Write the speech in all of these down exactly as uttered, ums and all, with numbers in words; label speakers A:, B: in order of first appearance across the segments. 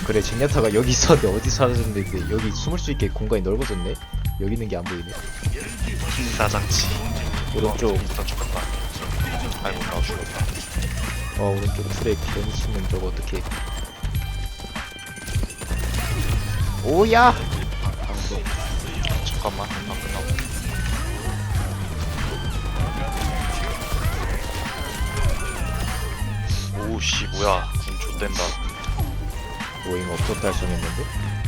A: 그래 젠야타가 여기 있었는데 어디 사라졌는데 여기 숨을 수 있게 공간이 넓어졌네. 여기 있는 게 안 보이네.
B: 기사장치.
A: 오른쪽.
B: 일단 죽었다. 아이고 나 죽었다.
A: 어 오른쪽 틀에 괜히 치면 저거 어떡해. 오야.
B: 잠깐만. 나 끝나고. 오씨 뭐야. 군 좆된다.
A: 오잉 없었다 할성했는데.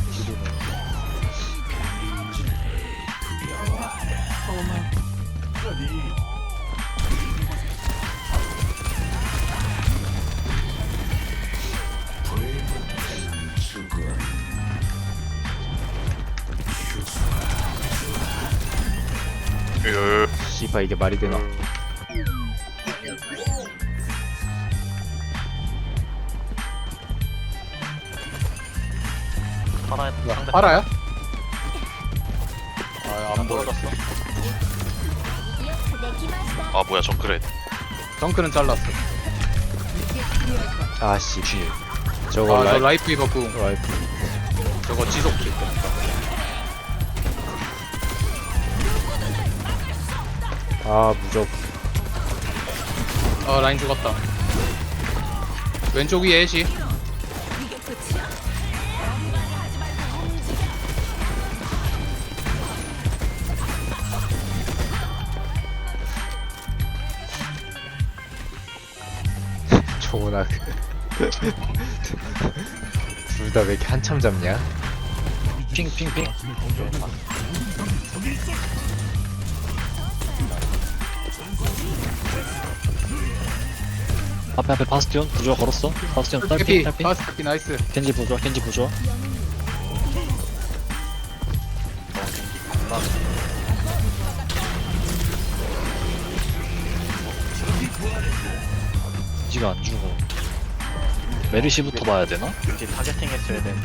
B: 으.
A: 씨바 이게 말이 되나?
B: 하나에 상대
C: 알아요?
B: 안 떨어졌어. 아 뭐야 정크렛.
C: 덩크는 잘랐어.
A: 아씨. 저거
C: 아, 저
A: 라이
C: 라이프 입었고
A: 라이프.
C: 저거 지속도 있고.
A: 아 무적.
C: 아, 라인 죽었다. 왼쪽 위에 애쉬.
A: 저거나. 둘 다 왜 이렇게 한참 잡냐?
B: 핑핑핑.
D: 앞에 앞에 바스티온 부조화 걸었어. 바스티온 딸피
C: 해피,
D: 딸피.
C: 파스 해피 나이스.
D: 겐지 부조화 겐지 부조화. 겐지가 안 죽어. 메르시부터 봐야 되나?
B: 이제 타겟팅 했어야 돼.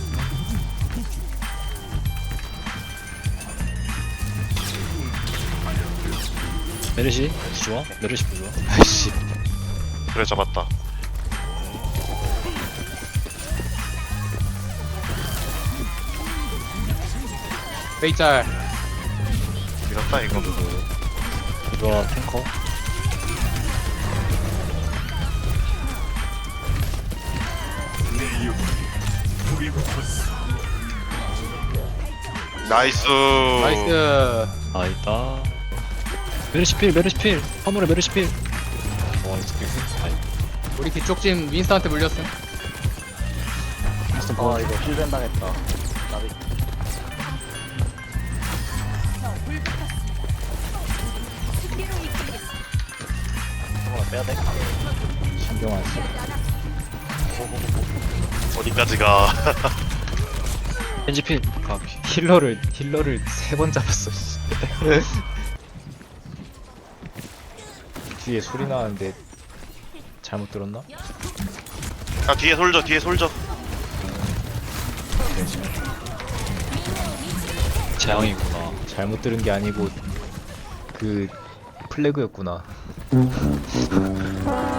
D: 메르시 부조화 메르시 부조화.
A: 아이씨.
B: 그래 잡았다.
C: 베이짤.
B: 밀었다 이거.
D: 부조화 탱커.
B: 나이스.
C: 나이스.
D: 아이다. 메르시 필 메르시 필. 화물에 메르시 필. 와 이거 후 아이.
C: 우리 뒤쪽 팀 윈스턴한테 물렸음.
D: 윈스턴 아 이거
B: 힐벤 당했다. 나비. 잠깐만 빼야 돼.
A: 신경 안 써.
B: 어디까지 가?
D: 겐지 필. 아
A: 힐러를 힐러를 세 번 잡았어. 씨. 뒤에 소리 나는데 잘못 들었나?
B: 아 뒤에 솔져 뒤에 솔져.
D: 재앙이구나.
A: 잘못 들은 게 아니고 그 플래그였구나.